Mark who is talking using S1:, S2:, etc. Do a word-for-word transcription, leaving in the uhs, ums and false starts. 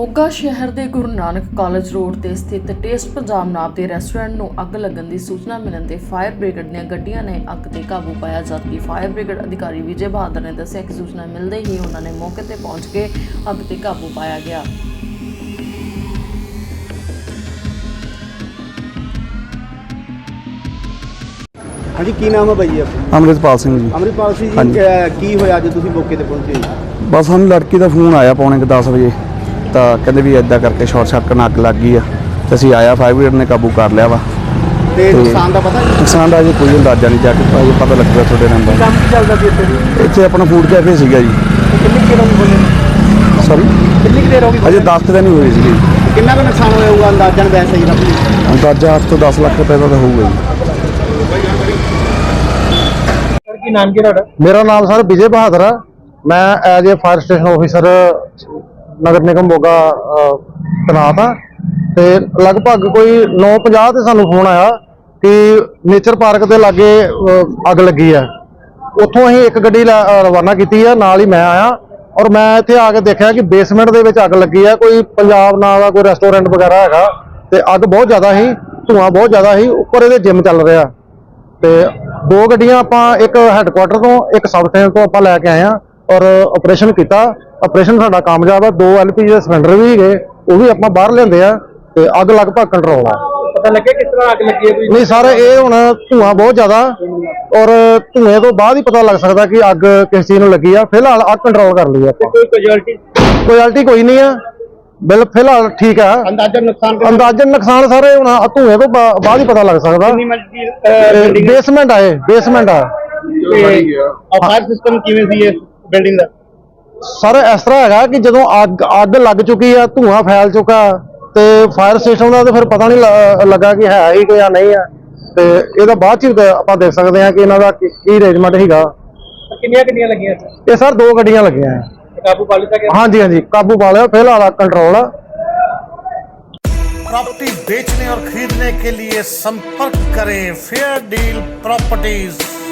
S1: ਮੋਗਾ ਸ਼ਹਿਰ ਦੇ ਗੁਰੂ Nanak college road ਤੇ ਸਥਿਤ ਟੇਸਟ ਪੰਜਾਬ ਨਾਮ ਦੇ ਰੈਸਟੋਰੈਂਟ ਨੂੰ ਅੱਗ ਲੱਗਣ ਦੀ ਸੂਚਨਾ ਮਿਲਣ ਤੇ ਫਾਇਰ ਬ੍ਰਿਗੇਡ ਦੀਆਂ ਗੱਡੀਆਂ ਨੇ ਅੱਗ ਤੇ ਕਾਬੂ ਪਾਇਆ, ਜਦਕਿ ਫਾਇਰ ਬ੍ਰਿਗੇਡ ਅਧਿਕਾਰੀ ਵਿਜੇ ਬਹਾਦਰ ਨੇ ਦੱਸਿਆ ਕਿ ਸੂਚਨਾ ਮਿਲਦੇ ਹੀ ਉਹਨਾਂ ਨੇ ਮੌਕੇ ਤੇ ਪਹੁੰਚ ਕੇ ਅੱਗ ਤੇ ਕਾਬੂ ਪਾਇਆ ਗਿਆ।
S2: हाँ जी, की नाम है भाई आपका?
S3: अमृतपाल सिंह जी।
S2: अमृतपाल सिंह
S3: हाँ
S2: जी,
S3: जी।
S2: की होया जो तुसी मौके ते पहुंचे?
S3: बस हम लड़की का फोन आया पौने के दस बजे तो कहते भी इदा करके शॉर्ट सर्किट अग लग गई है तो असीं आया फायर ब्रिगेड ने काबू कर लिया वा।
S2: ते नुकसान दा पता नहीं?
S3: नुकसान का अजे कोई अंदाजा नहीं, जाके अजे पता लगेगा थोड़े नंबर।
S2: काम की चलदा सी इत्थे?
S3: इत्थे अपना फूड कैफे सीगा जी।
S2: कितनी देर हो गई बोले?
S3: सॉरी,
S2: कितनी देर हो गई?
S3: अजे दस दिन ही हुई सी।
S2: कितना का नुकसान होया होगा अंदाजन वैसे ही रखी?
S3: अंदाजा आठ तो दस लाख रुपए का तो होगा जी।
S2: की नाम की ਤੁਹਾਡਾ?
S4: मेरा नाम सर विजय बहादुर है। मैं as a fire station officer नगर निगम मोगा तैनात हाँ। तो लगभग कोई नौ पचास से सानू फोन आया कि नेचर पार्क के लागे अग लगी है। उत्थों असीं एक गड्डी रवाना की है, नाल ही मैं आया और मैं इत्थे आके देखा कि बेसमेंट दे विच अग लगी है। कोई पंजाब नाम का कोई रेस्टोरेंट वगैरह हैगा ते अग बहुत ज़्यादा ही, धुआं बहुत ज़्यादा ही। उपर इहदे जिम चल रहा ते दो गड्डियां आपां एक हैडकुआटर तो एक सब स्टेशन तो आपां लैके आए हैं और ऑपरेशन किया। ऑपरेशन साडा कामयाब है। दो एल पी जी सिलेंडर भी गए, वो भी आपां बाहर लिआंदे आ ते अग लगभग कंट्रोल है।
S2: पता लगे किस तरह अग लगी है?
S4: नहीं सर, ये हुण धुआं बहुत ज़्यादा और धुएं तो बाद ही पता लग सकता कि अग किस चीज़ नूं लगी है। फिलहाल अग कंट्रोल कर ली है।
S2: कोई कैजुअल्टी?
S4: कैजुअल्टी कोई नहीं है, बिल फिलहाल ठीक है।
S2: अंदाजन नुकसान?
S4: अंदाजन नुकसान सारे हुण धुएं तो बाद ही पता लग सकता। बेसमेंट आए, बेसमेंट आ
S2: फायर सिस्टम किवें सी इस बिल्डिंग दा?
S4: सर इस तरह है कि जो अग अग लग चुकी है, धुआं फैल चुका तो फायर सिस्टम का तो फिर पता नहीं लगा कि है ही कोई या नहीं है। तो ये बाद च आप देख सकते हैं कि इन्हों का की अरेंजमेंट है।
S2: कितनियां कितनियां लगियां?
S4: ये सर दो गड्डियां लगी हैं।
S2: काबू पा लिया?
S4: हाँ जी, हाँ जी, काबू पा लिया, फिलहाल कंट्रोल है।
S5: प्रॉपर्टी बेचने और खरीदने के लिए संपर्क करें फेयर डील प्रॉपर्टीज।